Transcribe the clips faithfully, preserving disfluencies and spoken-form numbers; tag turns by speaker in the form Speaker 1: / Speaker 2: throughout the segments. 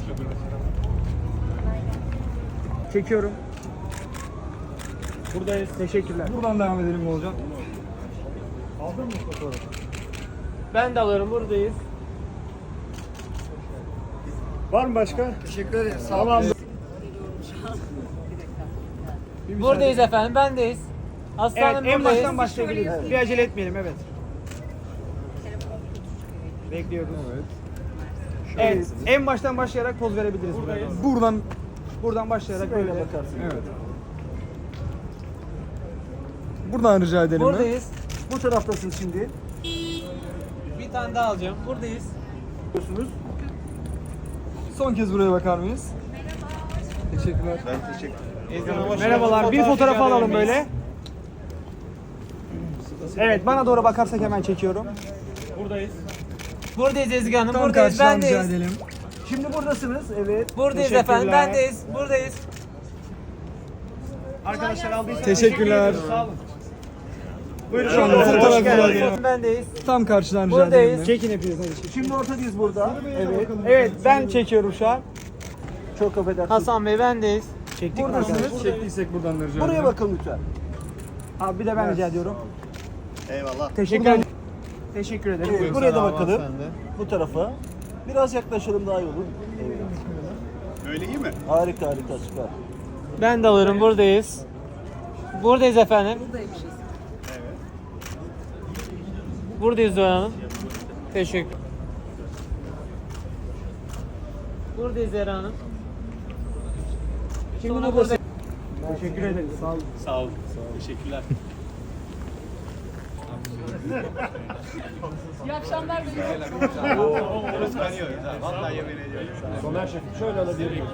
Speaker 1: Çekiyorum. Buradayız. Teşekkürler.
Speaker 2: Buradan devam edelim Oğulcan. Aldın mı fotoğrafı?
Speaker 1: Ben de alıyorum. Buradayız.
Speaker 2: Var mı başka? Teşekkür ederim. Sağ olun.
Speaker 1: Buradayız efendim. Bendeyiz. Aslanım
Speaker 2: Evet, en
Speaker 1: buradayız.
Speaker 2: baştan başlayabiliriz. Bir acele etmeyelim, evet. Bekliyoruz. Evet. Evet, en baştan başlayarak poz verebiliriz. Buradayız. Buradan buradan başlayarak böyle bakarsın. Evet. Buradan rica edelim.
Speaker 1: Buradayız.
Speaker 2: Bu taraftasınız şimdi.
Speaker 1: Bir tane daha alacağım. Buradayız.
Speaker 2: Biliyorsunuz. Son kez buraya bakar mıyız? Teşekkürler. Ben teşekkür ederim. Merhabalar. Bir fotoğraf alalım böyle. Evet, bana doğru bakarsak hemen çekiyorum.
Speaker 1: Buradayız. Buradayız Ezgi Hanım.
Speaker 2: Tam
Speaker 1: Buradayız.
Speaker 2: karşıdan rica
Speaker 1: Bendeyiz.
Speaker 2: edelim. Şimdi buradasınız. Evet.
Speaker 1: Buradayız efendim. Bendeyiz. Buradayız.
Speaker 2: Arkadaşlar aldıysanız
Speaker 3: Teşekkürler.
Speaker 2: Sağ olun. Buyurun.
Speaker 3: Şu anda fotoğraf
Speaker 2: geldiniz.
Speaker 1: Bendeyiz.
Speaker 3: Tam karşıdan rica
Speaker 1: Buradayız.
Speaker 3: edelim.
Speaker 2: Çekin hepiniz. Hadi. Şimdi ortadayız burada. Evet. Evet, ben çekiyorum şu an. Çok affedersiniz.
Speaker 1: Hasan Bey bendeyiz.
Speaker 2: Çektik buradasınız.
Speaker 3: Çektiysek buradan da rica
Speaker 2: Buraya
Speaker 3: edelim.
Speaker 2: bakın lütfen. Abi bir de ben rica ediyorum.
Speaker 4: Eyvallah.
Speaker 2: Teşekkür ederim. Teşekkür ederim. Evet, buraya da bakalım. Bu tarafa. Biraz yaklaşalım daha iyi olur. Evet.
Speaker 4: Öyle iyi mi?
Speaker 2: Harika harika süper.
Speaker 1: Ben de alırım. Buradayız. Buradayız efendim. Buradayız Doğan Hanım. Teşekkür. Buradayız Zehra Hanım.
Speaker 2: Şimdi
Speaker 1: Sonra
Speaker 2: burada.
Speaker 1: burada.
Speaker 2: Teşekkür ederim. Sağ olun.
Speaker 4: Sağ olun. Teşekkürler.
Speaker 5: İyi akşamlar diliyorum.
Speaker 4: Vallahi yemin ediyorum.
Speaker 2: Soner Şef şöyle alabilirim.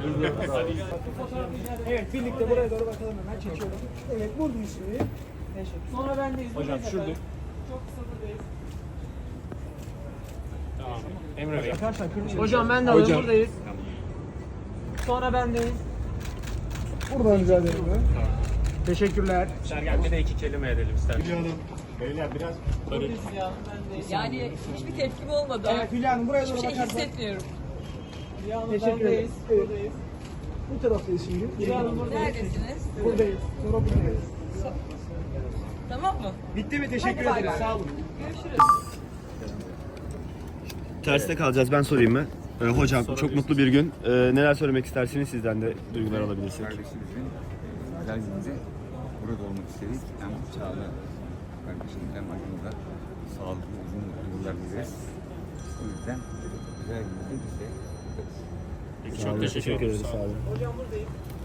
Speaker 2: Evet birlikte buraya doğru bakalım hemen çekiyorum. Evet buradayız şimdi. Teşekkür.
Speaker 1: Sonra bendeyiz.
Speaker 4: Hocam şurada.
Speaker 1: Çok kısa buradayız.
Speaker 4: Emre Bey.
Speaker 2: Arkadaşlar kırmızı.
Speaker 1: Hocam ben de alıyorum. Buradayız. Sonra bendeyiz.
Speaker 2: Buradan rica ederim. Teşekkürler.
Speaker 4: Sergen bir de iki kelime edelim ister. Biliyorum. Beyler biraz
Speaker 1: Buradayız ya. Bendeyiz.
Speaker 5: Yani hiçbir tepkim olmadı.
Speaker 2: Evet Hülya Hanım buraya doğru
Speaker 5: Hiçbir şey
Speaker 2: bakarsak.
Speaker 5: hissetmiyorum.
Speaker 1: Ya Hanım
Speaker 2: Teşekkür
Speaker 1: bendeyiz.
Speaker 2: ederiz. Evet.
Speaker 1: Buradayız.
Speaker 2: Bu taraftayız şimdi.
Speaker 1: Ya Hanım buradayız.
Speaker 5: Neredesiniz?
Speaker 2: Buradayız. Sonra buradayız.
Speaker 5: Tamam mı?
Speaker 2: Bitti mi? Teşekkür
Speaker 5: Hadi bay
Speaker 2: ederiz.
Speaker 5: bay.
Speaker 2: Sağ olun.
Speaker 5: Görüşürüz.
Speaker 4: Terste kalacağız. Ben sorayım mı? Ee, hocam çok mutlu bir gün. Ee, neler söylemek istersiniz? Sizden de duygular alabilirsek.
Speaker 6: Kardeşimizin güzel gününde burada olmak istedik. Hem Çağla kardeşimiz hem aramızda sağlıklı uzun mutlu yıllar dileriz. O yüzden güzel gününde biz de yaparız.
Speaker 4: Çok teşekkür ederiz. Sağ olun.
Speaker 1: Hocam buradayız.